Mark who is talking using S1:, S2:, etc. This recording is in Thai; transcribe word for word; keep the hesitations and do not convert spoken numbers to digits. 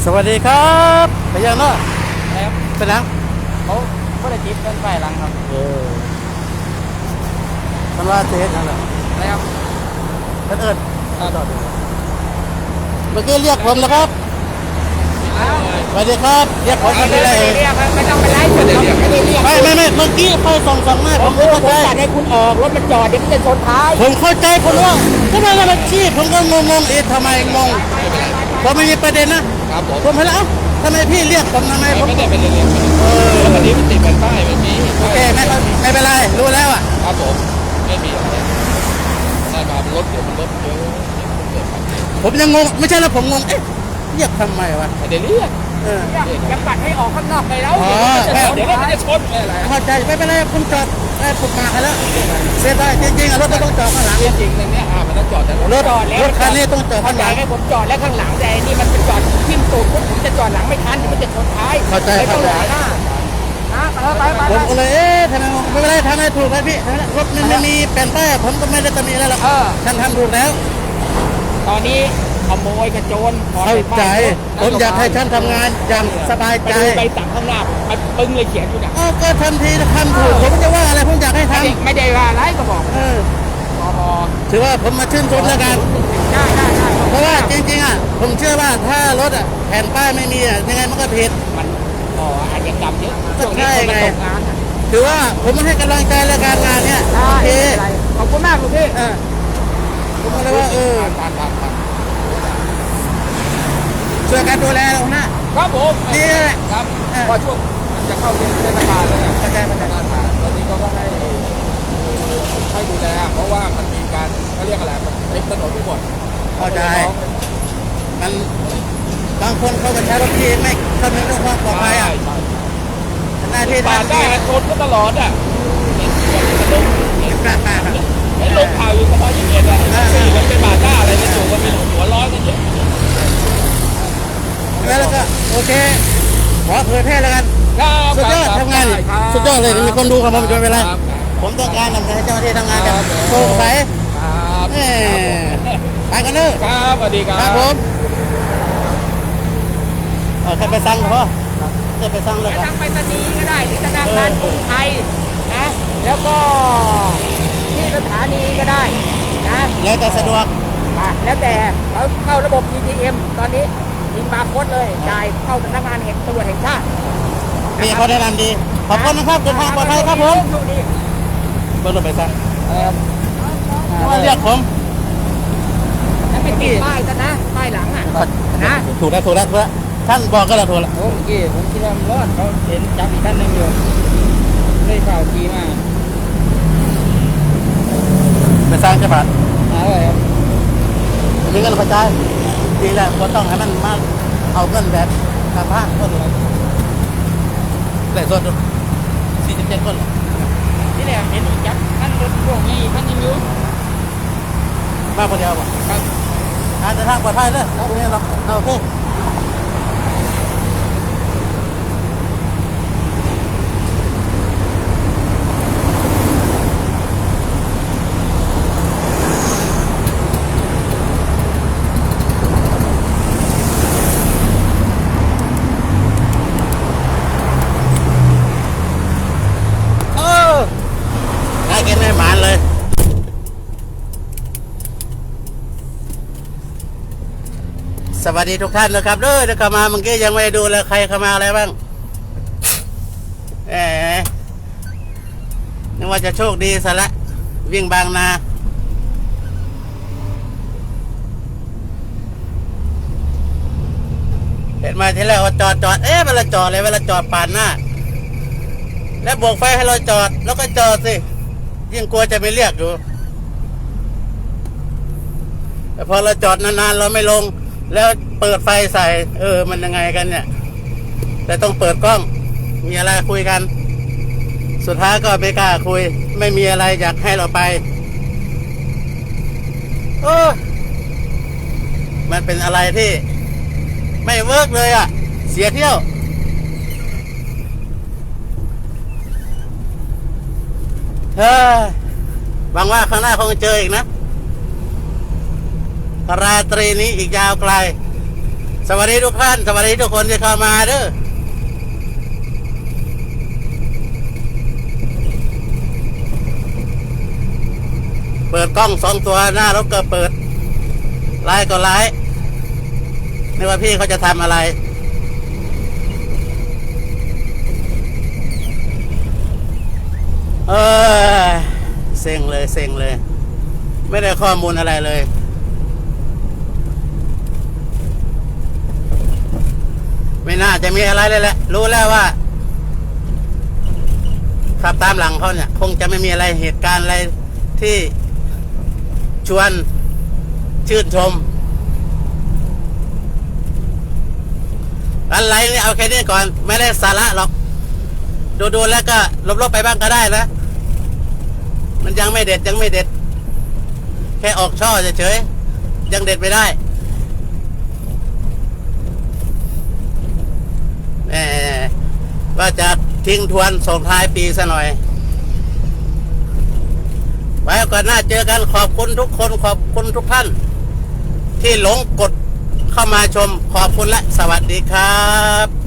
S1: สวัสดีครับไปยังเนาะ
S2: ครับ
S1: เป็นนัง
S2: เขาก็ได้จิบเป็นไฟหลังครับ
S1: เออมันว่าเจ๊นั่นแหละ
S2: แล้ว
S1: ท่านเอิญ
S2: อ่าต่อดู
S1: เมื่อกี้เรียกผมนะครับสวัสดีครับเรียกผมมาที่ไหน
S2: เรียกไม่ต้องไปไล่จุดไม่ได้เรียก
S1: ไม่ไม่ไม่เมื่อกี้ไฟส่องส่องหน้าผมไม่เข้าใจ
S2: จัดให้คุณออกรถมันจอดเดี๋ยวมันจะชนท้าย
S1: ผมเข้าใจคนว่าก็ไม่ละมันชี้ผมก็งงงๆเอ๊ะทำไมงงผมไม่มีประเด็นนะครับ
S2: ผม
S1: ผมเห็นแล้วทำไมพี่เรียกผมทำไมผม
S2: ไม่ได้เป็นเรียก
S1: เออ
S2: วันนี้มันติดเป็นป้ายเมื่อกี้
S1: โอเคไม่ไม่เป็นไรรู้แล้วอ่ะ
S2: ครับผมไม่มีอะไรได้มารถเดี๋ยวมันรถเยอะเกิดความ
S1: ผมยังงงไม่ใช่แล้วผมงงเอ๊ะเรียกทำไมวะ
S2: ไม่ได้เรียก
S1: เออ
S2: ยังปัดให้ออกข้างนอกไปแล้ว
S1: อ๋อ
S2: เดี๋ยวมันจะชนอะไร
S1: เข้าใจไม่เป็นไรผมจอดได้ผมมาให้แล้วเสียดายจริงๆอะรถไม่ต้องจอดข้างหลัง
S2: จริงๆเนี่ยอ่ามันต้องจอดแต่
S1: รถรถคันนี้ต้องจอด
S2: ข้า
S1: ข้าง งห
S2: หลั
S1: ลั
S2: ง
S1: ง
S2: ให้ผมจอดแล้วข้างหลังแต่นี่มันจะจอดทิ่มตูดผมจะจอดหลังไม่ทันมันจะชนท้าย
S1: เข้าใจ
S2: ไม่ต้
S1: เข้า
S2: อง
S1: ใจ
S2: รอหน้านะไปไป
S1: ผมก็เลยเอ๊ะทำไมไม่เป็นไรทำให้ถูกแล้วพี่รถมันไม่มีแผ่นป้ายผมก็ไม่ได้ตำหนิอะไรหรอก
S2: เออ
S1: ท่านทำถูกแล้ว
S2: ตอนนี้ขโมยกระโจน
S1: เข้าใจผมอยากให้ท่านทำงานอย่างสบาย
S2: ไป
S1: ใจ
S2: ดูใบสั่งข้างหน้ามันปึ้งเลยเขียนอยู่นะ
S1: อ้าวก็ทันทีทำถูกผมจะว่าอะไรผมอยากให้ท
S2: ไม่ได้ไม่ได้ว่าอะไรก็บอก
S1: ำเออ
S2: พอพอ
S1: ถือว่าผมมาชื่นชมแล้วกัน
S2: ได้ได้ได้
S1: เพราะว่าจริงๆอ่ะผมเชื่อว่าถ้ารถอ่ะแผ่นป้ายไม่มีอ่ะยังไงมันก็ผิด
S2: มันอ๋ออาจจะกรรมเยอะ
S1: ก็
S2: ช่วงนี้
S1: ใช่
S2: คนมัน
S1: ไง
S2: ตกงานอะ
S1: ถือว่าผมมาให้กำลังใจแล้วการงานเนี่ย
S2: ได้
S1: โอเค
S2: ไม่เป็นไรขอบคุณมากคุณพี่
S1: เออผมก็เลยว่าเออ
S2: ผ่านผ่านผ่าน
S1: ช่วยกันดูแลเราหน้า
S2: ครับผม
S1: นี่แหละ
S2: ครับ
S1: เออ
S2: พอช่วงมันจะเข้าเทศกาลแล้วเนี่ย
S1: เข้าใจเข้าใจ
S2: ตอนนี้เขาก็ให้ให้ดูแลเพราะว่ามันมีการเขาเรียกอะไรมันเต็มถนนไปหมด
S1: เข้าใจมันบางคนเขาก็ใช้รถที่ไม่คำนึงเรื่องความปลอดภัยอ่ะหน้าที่
S2: ปาด
S1: ทำ
S2: ได้
S1: นี่
S2: ชนก็ตลอดอ่ะเห็นลงเห็น
S1: กลับมา
S2: เห็นลงข่าวอยู่เฉพาะอย่างเงี้ยเลยสี่มันเป็นบาดหน้าอะไรกันอยู่ก็มีหัวร้อนกันเยอะ
S1: แล้วก็โอเคขอเผยแพร่แล้วกัน สุดยอดทำงานนี่สุดยอดเลยมีคนดูกับผมจนเวลาผมต้องการนำให้เจ้าหน้าที่ทำงานแบบโปร่งใส
S2: ครับ
S1: เอ้ไปกันเนอะ
S2: ครับสวัสดีค
S1: ค
S2: รั
S1: รั
S2: บบ
S1: ผมเออใครไปสั่งเหรอจะไปสั่งเลย
S2: จะ
S1: ครับ
S2: ทางไปรษณีย์ก็ได้หรือธนาคารกรุงไทยนะแล้วก็ที่สถานีก็ได้นะ
S1: แล้วแต่สะดวก
S2: อ่ะแล้วแต่เขาเข้าระบบ อี ที เอ็ม ตอนนี้ยิงบาร์โค้ดเลยจ่ายเข้าสำนักงานแห่งตำรวจแห่งชาติ
S1: มีเขาแนะนำดี ขอบคุณนะครับเดินทางปลอดภัยครับผม
S2: โชคดี
S1: เบิ้ลรถไปสั่ง
S2: เออ
S1: มาเรียกผม
S2: แล้วไปติดป้ายซะนะป้ายหลังอ่ะนะ
S1: ถูกแล้วถูกแล้วถูกแล้วท่านบอกก็แล้วถูกแล้ว
S2: โอ้เมื่อกี้ผมคิดว่ามันรอดเขาเห็นจับอีกท่านหนึ่งอยู่เลยข่าวทีมา
S1: ไปสั่งใช่ปะ
S2: เอาเลยครับ
S1: มีเงินกระจายดีแล้วก็ต้องให้มันมากเอาเงินแบบทางภาคคนเลยแต่ส่วนสี่สิบเจ็ดคนเหรอ
S2: นี่แหละเห็นอีกจับท่านรถพวกนี้ท่านยังอยู่
S1: มาคนเดียวป่ะ
S2: ครับ
S1: การเดินทางปลอดภัยเลยตรงนี้เราโอเคเออได้กินได้หมานเลย สวัสดีทุกท่านนะครับเด้อเดี๋ยวเข้ามาเมื่อกี้ยังไม่ได้ดูเลยใครเข้ามาอะไรบ้างแหมนึกว่าจะโชคดีซะละวิ่งบางนาเห็นมาทีแรกว่าจอดจอดเอ๊ะเวลาจอดเลยเวลาจอดปาดหน้าแล้วโบกไฟให้เราจอดแล้วก็จอดสิยิ่งกลัวจะไม่เรียกอยู่แต่พอเราจอดนานๆเราไม่ลงแล้วเปิดไฟใส่ เออ มันยังไงกันเนี่ย แต่ต้องเปิดกล้อง มีอะไรคุยกัน สุดท้ายก็ไม่กล้าคุย ไม่มีอะไรอยากให้เราไปโอ้มันเป็นอะไรที่ ไม่เวิร์กเลยอ่ะ เสียเที่ยวเฮ้ยหวังว่าข้างหน้าคงเจออีกนะราตรีนี้อีกยาวไกลสวัสดีทุกท่านสวัสดีทุกคนที่เข้ามาเด้อเปิดกล้องสองตัวหน้ารถก็เปิดไลฟ์ก็ไลฟ์ไม่ว่าพี่เขาจะทำอะไรเออเซ็งเลยเซ็งเลยไม่ได้ข้อมูลอะไรเลยไม่น่าจะมีอะไรเลยแหละรู้แล้วว่าขับตามหลังเขาเนี่ยคงจะไม่มีอะไรเหตุการณ์อะไรที่ชวนชื่นชมอะไรนี่เอาแค่นี้ก่อนไม่ได้สาระหรอกดูๆแล้วก็ลบๆไปบ้างก็ได้นะมันยังไม่เด็ดยังไม่เด็ดแค่ออกช่อเฉยๆยังเด็ดไม่ได้แหมว่าจะทิ้งทวนส่งท้ายปีซะหน่อยไว้ก่อนหน้าเจอกันขอบคุณทุกคนขอบคุณทุกท่านที่หลงกดเข้ามาชมขอบคุณและสวัสดีครับ